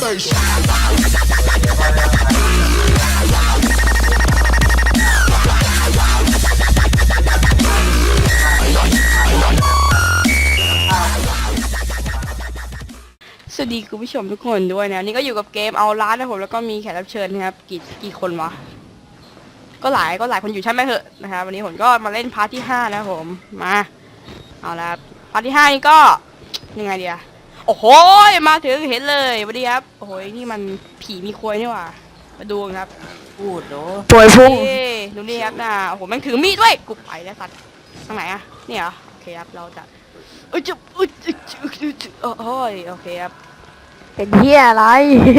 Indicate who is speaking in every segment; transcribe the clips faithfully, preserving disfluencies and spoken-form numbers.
Speaker 1: sensation.
Speaker 2: สวัสดีคุณผู้ชมทุกคนด้วยนะนี่ก็อยู่กับเกมเอาล้านนะผมแล้วก็มีแขกรับเชิญนะครับกี่กี่คนวะก็หลายก็หลายคนอยู่ใช่ไหมเหอะนะครับวันนี้ผมก็มาเล่นพาร์ทที่ห้านะผมมาเอาละพาร์ทที่ห้านี่ก็ยังไงเดียโอ้โหมาถึงเห็นเลยสวัสดีครับโอ้โหนี่มันผีมีควยนี่หว่ามาดูครับ
Speaker 3: พูดโด
Speaker 4: ป่วยพุ่ง
Speaker 2: นี่ดูนี่ครับนะโอ้โหแม่งถือมีดด้วยกูไปแล้วสัตว์ทางไหนอะนี่เหรอโอเคครับเราจะเอ้ยจะเอ้ยจะจะโอ้ยโอเคครับ
Speaker 4: เป็นเฮียอะไร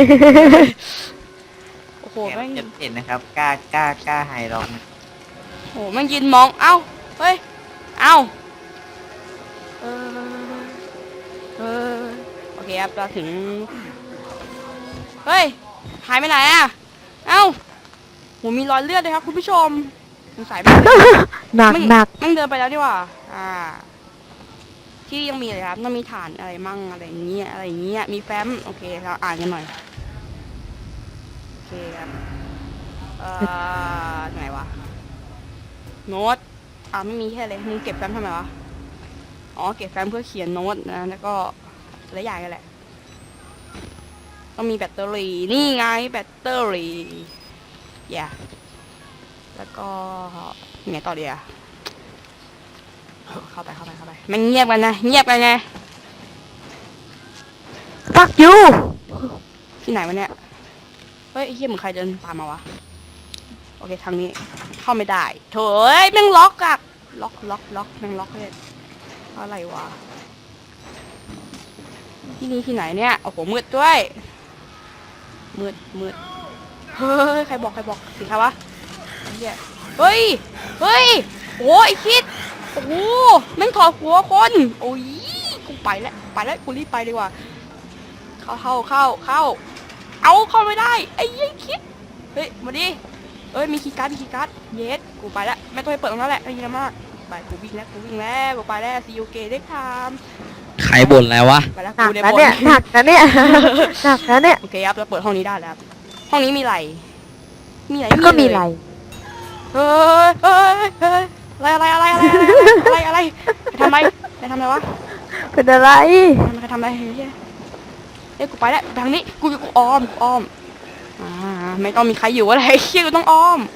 Speaker 2: โอ้โห
Speaker 3: แก
Speaker 2: แม่ง
Speaker 3: จะเห็นนะครับกล้ากล้ากล้าไฮร้อง
Speaker 2: โอ้โหแม่งยืนมองเอ้าเฮ้ยเอ้าเออเออโอเคครับเราถึงเฮ้ยหายไปไหนอะเอ้าโหมีรอยเลือดเลยครับคุณผู้ชมสงสัยไม่เลย
Speaker 4: หนัก
Speaker 2: แม่ง
Speaker 4: หนัก
Speaker 2: แม่งเดินไปแล้วดีกว่าอ่า ที่ยังมีเลยครับต้องมีฐานอะไรมั่งอะไรอย่างเงี้ยอะไรอย่างเงี้ยมีแฟ้มโอเคเราอ่านกันหน่อยโอเคครับเอ่อไหนวะโน้ตอ่าไม่มีแค่เลยมึงเก็บแฟ้มทำไมวะอ๋อเก็บแฟ้มเพื่อเขียนโน้ตนะแล้วก็หลายอย่างกันแหละต้องมีแบตเตอรี่นี่ไงแบตเตอรี่อย่าแล้วก็ไงต่อเดียวเข้าไปเข้าไปเข้าไปมันเงียบกันนะเงียบกันไง
Speaker 4: ฟักยู
Speaker 2: ที่ไหนวะเนี่ย เฮ้ยไอ้เหี้ยเหมือนใครเดินตามมาวะ โอเคทางนี้เข้าไม่ได้โถ่เอ้ยแม่งล็อกอะล็อกล็อกล็อกแม่งล็อกเลยอะไรวะ ที่นี่ที่ไหนเนี่ย โอ้โหมืดด้วย มืดมืดเฮ้ยใครบอกใครบอกสิครับวะไอ้เหี้ยเฮ้ย เฮ้ย โอ้ยไอ้คิด โอ้โหแม่งถอดหัวคน โอ้ยกูไปแล้วไปแล้วกูรีบไปดีกว่า เข้าเข้าเข้าเข้า เอาเข้าไม่ได้ไอ้ยัยคิดเฮ้ยมาดิเอ้ยมีคีย์การ์ดมีคีย์การ์ดเยสกูไปแล้วไม่ต้องไปเปิดตรงนั้นแหละไม่มีอะไรมากไปกูวิ่งแล้วกูวิ่งแล้วกูไปแล้วซีโอเกได้ทำ
Speaker 5: ใครบ่นแล้ววะ
Speaker 2: ไปแล้ว
Speaker 4: หนัก
Speaker 2: กูได้
Speaker 4: นะ
Speaker 2: บ
Speaker 4: เนี่ย
Speaker 2: น
Speaker 4: หนักนะเนี่ย หนักนะเนี่ย
Speaker 2: โอเคครับเราเปิดห้องนี้ได้แล้วครับห้องนี้มีอะไรมีอะไร
Speaker 4: แล้วก็มีอะไร
Speaker 2: เฮ้ยเฮ้ยเฮ้ยอะไรอะไรอะไรอะไรอะไรอะไรไปทำอะไรไปทำอะไรวะ
Speaker 4: เป็นอะไร
Speaker 2: ไปทำอะไรเฮ้ยเอ้ยกูไปแล้วทางนี้กูกูอ้อมกูอ้อมอ่าไม่ต้องมีใครอยู่อะไรเชี่ยกูต้องอ้อม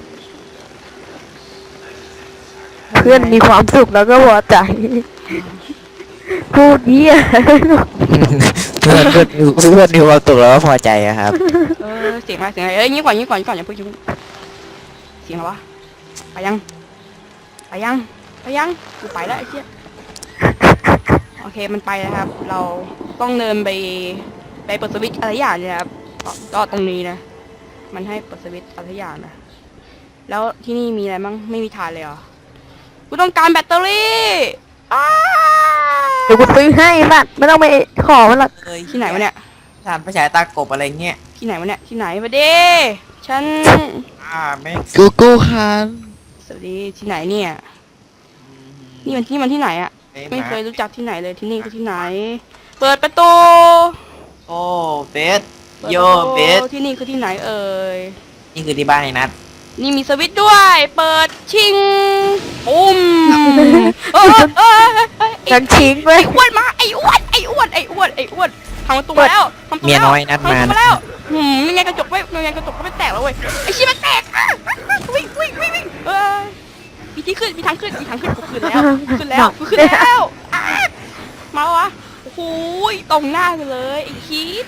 Speaker 4: เพื่อนมีความสุขแล้วก็พอใจ พูดเฮีย
Speaker 5: เพื่อนเพื่อนเพื่อนมีความสุขแล้วก็พอใจอะครับ
Speaker 2: เออเสียงอะไรเสียงอะไรเอ้ยงี้ก่อนงี้ก่อนงี้ก่อนอย่าเพิ่งอย่าเพิ่งเสียงอะไรวะไปยังไปยังไปยังกูไปแล้วไอ้เชี่ยโอเคมันไปแล้วครับ เราต้องเดินไปไปเปิดสวิตช์อะไรอย่างเนี่ยครับก็ก็ตรงนี้นะมันให้เปิดสวิตช์อะไรอย่างนะแล้วที่นี่มีอะไรมั้งไม่มีฐานเลยเหรอกูต้องการแบตเตอรี่อ้า
Speaker 4: เดี๋ยวกูซื้อให้บ้านไม่ต้องไปขอมันหรอก
Speaker 3: เอ้ย
Speaker 2: ที่ไหนวะเนี่ย
Speaker 3: ทานประฉายตากบอะไรเงี้ย
Speaker 2: ที่ไหนวะเนี่ยที่ไหนมาเด้ฉัน
Speaker 3: อ่าไม่
Speaker 5: กูกูคัน
Speaker 2: สวัสดีที่ไหนเนี่ยนี่มันที่มันที่ไหนอะ ไม่เคย
Speaker 3: รู้
Speaker 2: รู้จักที่ไหนเลยที่นี่คือที่ไหน เปิดประตู
Speaker 3: โอ้เบส
Speaker 2: ปิด
Speaker 3: โย
Speaker 2: ประตู
Speaker 3: เบส
Speaker 2: ที่นี่คือที่ไหนเอ่ย
Speaker 3: นี่คือที่บ้านไอ้นัท
Speaker 2: นี่มีสวิตช์ด้วย เปิดชิงปุ้มเออเออเออไอ้
Speaker 4: กันทิ้งไว้
Speaker 2: ไอ้อ้วนมาไอ้อ้วนไอ้อ้วนไอ้อ้วนไอ้อ้วนทำประตูมาแล้วทำประตู
Speaker 5: เมีย
Speaker 2: แล้ว
Speaker 5: น้อยนัด
Speaker 2: ทำประ
Speaker 5: มา
Speaker 2: ตูมาแล้วหืมยังไงกระจกไม่ยังไงกระจกก็ไม่แตกแล้วเว้ยไอ้ชี้มันแตกอ่ะวิ่งวิ่งวิ่งวิ่งเออมีที่ขึ้นมีทางขึ้นมีทางขึ้นกูขึ้นแล้วกูขึ้นแล้วกูขึ้นแล้วอ่ะมาวะโอ้โหตรงหน้ากูเลยไอ้คีด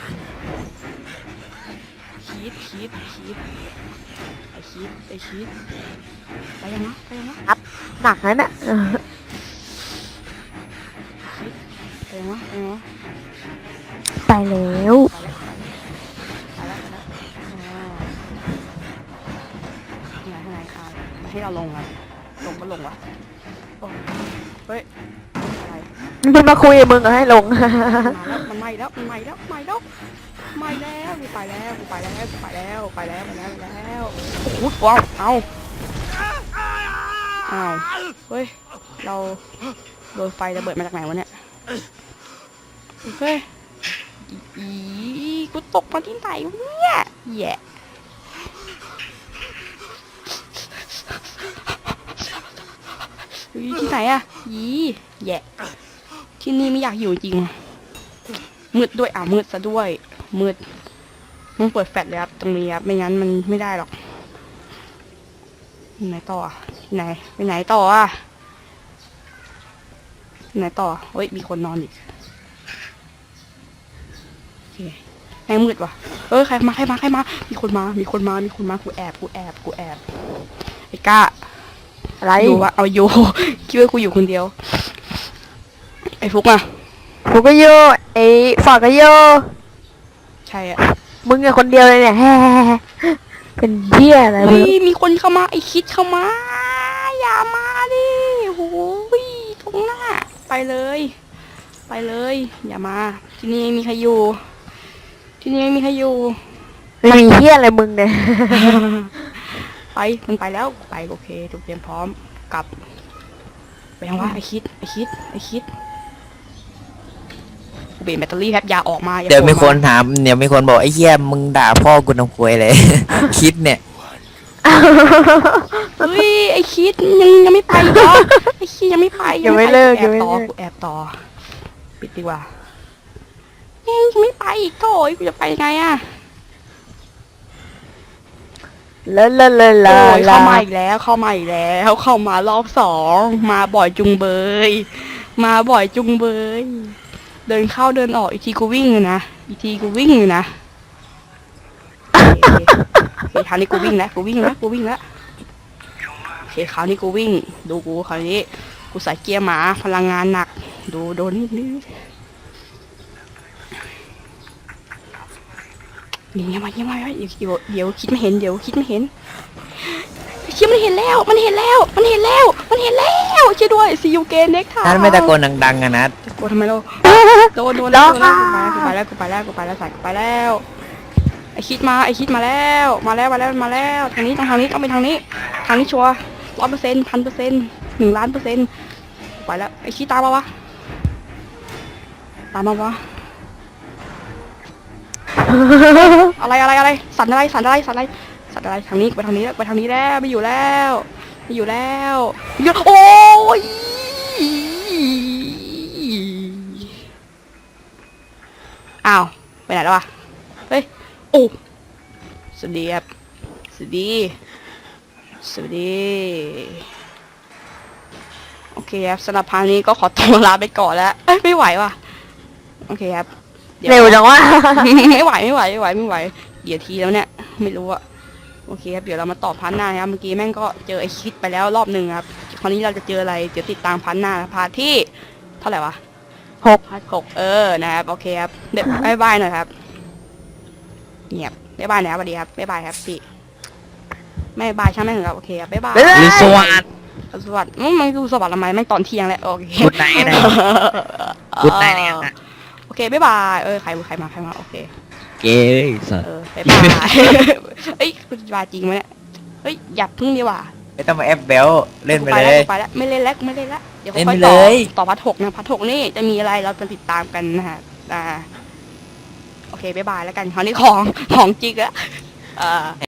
Speaker 2: คีดคีดคีดไอ้คีดไอ้คีดไปยังวะไปยังวะ
Speaker 4: หนักนะเนี่ยเออ
Speaker 2: ไปยังวะไปยังวะ
Speaker 4: ไปแล้ว
Speaker 2: ไปแล้วไปแล้วอ๋อไหนไหนคายมาให้เราลงอ่ะลงก็ลงวะโอ้เฮ้ยอะไร
Speaker 4: มันมาคุยกับมึงเหรอให้ลง
Speaker 2: มาแล้วมันไหม้แล้วมันไหม้แล้วไหม้แล้วไหม้แล้วกูไปแล้วกูไปแล้วกูไปแล้วไปแล้วไปแล้วไปแล้วโอ้โหว้าวเอาอ้าวเฮ้ยเราโดนไฟระเบิดมาจากไหนวะเนี่ยเฮ้ยอีกูตกมาที่ไหนวะเนี่ยแย่เฮ้ยที่ไหนอะยีแย่ที่นี่ไม่อยากอยู่จริงมืดด้วยอ่ะมืดซะด้วยมืดต้องเปิดแฟลชเลยครับตรงนี้ครับไม่งั้นมันไม่ได้หรอกไหนต่ออ่ะไหนไปไหนต่ออ่ะไหนต่อเฮ้ยมีคนนอนอีกโอเคแม่งมืดว่ะเอ้ยใครมาใครมาใครมามีคนมามีคนมามีคนมากูแอบกูแอบกูแอบไอ้ก้า
Speaker 4: อะไร
Speaker 2: อยู่วะเอาโย คิดว่ากูอยู่คนเดียวไอ้ฟุกอ่ะ
Speaker 4: กูก็โยไอ้ฝากก็โย
Speaker 2: ใช่อ่ะ
Speaker 4: มึงอะคนเดียวเลยเนี่ยแฮ่ เป็นเหี้ยอะไร
Speaker 2: เฮ้
Speaker 4: มึ
Speaker 2: ย
Speaker 4: ง
Speaker 2: มีคนเข้ามาไอ้คิดเข้ามาอย่ามาดิโอ้ยตรงหน้าไปเลย ไปเลย อย่ามา ที่นี่ไม่มีใครอยู่ ที่นี่ไม่มีใครอยู่
Speaker 4: ไม่มีเหี้ยอะไรมึงเนี่ย
Speaker 2: ไปมันไปแล้วไปโอเคถูกเตรียมพร้อมกลับไปยังวะไอคิดไอคิดไอคิดกูเปลี่ยนแบตเตอรี่แป๊บอยาออกมาอา
Speaker 5: เดี๋ยวมี
Speaker 2: โผ
Speaker 5: ค
Speaker 2: ล่
Speaker 5: นถามเดี๋ยวมีคนบอกไอ้เหี้ยมึงด่าพ่อกูทำควยเลย คิดเนี่ย
Speaker 2: เฮ้ยไอคิดยังยังไม่ไปเหรอไอคิดยังไม่ไป
Speaker 4: ยังไม่เลิก
Speaker 2: แอ
Speaker 4: ยัง
Speaker 2: บ
Speaker 4: ไม่
Speaker 2: ต่อ
Speaker 4: เลิก
Speaker 2: กูแอบต่อปิดดีกว่าเฮ้ยยังไม่ไปอีกโถ่กูจะไปยังไงอะ
Speaker 4: ลาลาลาลา
Speaker 2: โอ้ย
Speaker 4: ลา
Speaker 2: เข้ามาอีกแล้วเข้ามาอีกแล้วเข้ามารอบสองมาบ่อยจุงเบย มาบ่อยจุงเบย เดินเข้าเดินออกอีกทีกูวิ่งอยู่นะอีกทีกูวิ่งอยู่นะโอเคโอเคคราวนี้กูวิ่งแล้วกูวิ่งแล้วกูวิ่งแล้วโอเคคราวนี้กูวิ่ง ดูกูคราวนี้กูใส่เกียร์หมาพลังงานหนัก ดูโดนนิดนึงเงียบไว้เงียบไว้เดี๋ยวเดี๋ยวเดี๋ยวคิดไม่เห็นเดี๋ยวคิดไม่เห็นเชี่ยมันเห็นแล้วมันเห็นแล้วมันเห็นแล้วมันเห็นแล้วช่วยด้วยซีอูเกนเน็กทา
Speaker 5: นั่นไม่ตะโกนดังๆอะนัด
Speaker 2: กลัวทำไมเราโดนโดนแล้วโดนแล้วกูไปแล้วกูไปแล้วกูไปแล้วกูไปแล้วใส่กูไปแล้วไอคิดมาไอคิดมาแล้วมาแล้วมาแล้วมาแล้วทางนี้ต้องทางนี้ต้องไปทางนี้ทางนี้ชัวร์ร้อยเปอร์เซ็นต์พันเปอร์เซ็นต์หนึ่งล้านเปอร์เซ็นต์ไปแล้วไอคิดตามมาวะตามมาวะอะไรอะไรอะไรสั่นอะไรสั่นอะไรสั่นอะไรสั่นอะไรทางนี้ไปทางนี้แล้วไปทางนี้แล้วไม่อยู่แล้วไม่อยู่แล้วไม่อยู่โอ้ย อ้าวไปไหนแล้ววะเฮ้ยโอ้สวัสดีครับสวัสดีสวัสดีโอเคครับสำหรับพาร์ทนี้ก็ขอตัวลาไปก่อนแล้วเอ้ยไม่ไหวว่ะโอเคครับดี๋ย
Speaker 4: เร็วจังวะ
Speaker 2: ไม่ไหวไม่ไหวไม่ไหวไม่ไหวเดี๋ยวทีแล้วเนี่ยไม่รู้อะโอเคครับเดี๋ยวเรามาต่อพาร์ทหน้านะครับเมื่อกี้แม่งก็เจอไอคิดไปแล้วรอบหนึ่งครับคราวนี้เราจะเจออะไรเดี๋ยวติดตามพาร์ทหน้าพาร์ทที่เท่าไหร่วะ
Speaker 4: หก
Speaker 2: พาร์ทหกเออนะครับโอเคครับเดี๋ยวบายบายหน่อยครับเงียบบายบายนะครับสวัสดีครับบายบายครับพี่ไม่บายใช่ไหมงครับโอเคครับบายบาย
Speaker 4: บ๊ายบาย
Speaker 5: หรือสวัสด
Speaker 2: สวัสดีอืมมันดูสวัสดิ์ทำไมแม่งตอนเที่ยงแล้วโอเค
Speaker 5: กุดไนท์นะกุดไนท์เนี่ย
Speaker 2: โอเคบายบายเออใครใครมาใครมาโอเค
Speaker 5: เก๋สัส
Speaker 2: เออบายบาย เอ้ยคุณบายจริงไหมเนี่ยเฮ้ยอย่าพึ่งดีกว่า
Speaker 5: ไม่ต้องมาแอปเบลเล่นไปเลย
Speaker 2: กูไปแล้วกูไปแล้วไม่เล่นแล้วกูไม่เล่นแล้วเดี๋ยว
Speaker 5: เล่น
Speaker 2: ค่อย
Speaker 5: ไป
Speaker 2: ต่อ
Speaker 5: เลย
Speaker 2: ต่อพาร์ทหกนะพาร์ทหกนี่จะมีอะไรเราจะติดตามกันนะฮะอ่าโอเคบายบายแล้วกันคราวนี้ของของจริงอะอ่า